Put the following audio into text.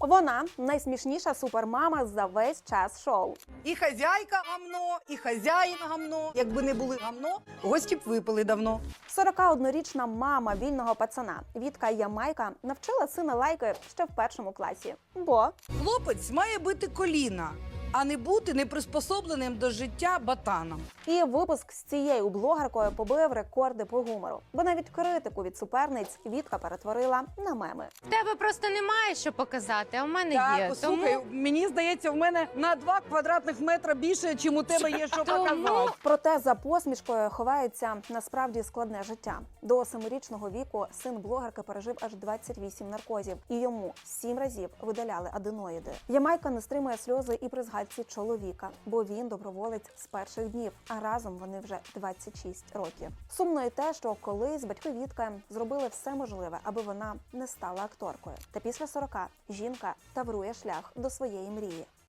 Вона найсмішніша супермама за весь час шоу. І хазяйка гамно, і хазяїн гамно. Якби не були гамно, гості б випили давно. 41-річна мама вільного пацана Вітка Ямайка навчила сина лайки ще в 1 класі. Бо Хлопець має бити коліна, а не бути неприспособленим до життя батаном. і випуск з цією блогеркою побив рекорди по гумору. Бо навіть критику від суперниць Вітка перетворила на меми. В тебе просто немає що показати, а в мене Так, є. слухай, мені здається, в мене на 2 квадратних метри більше, чим у тебе є що показати. Проте за посмішкою ховається насправді складне життя. До 7-річного віку син блогерки пережив аж 28 наркозів, і йому 7 разів видаляли аденоїди. Ямайка не стримує сльози і при згадці чоловіка, бо він доброволець з перших днів, а разом вони вже 26 років. Сумно і те, що колись батьки Вітки зробили все можливе, аби вона не стала акторкою. Та після 40 жінка таврує шлях до своєї мрії.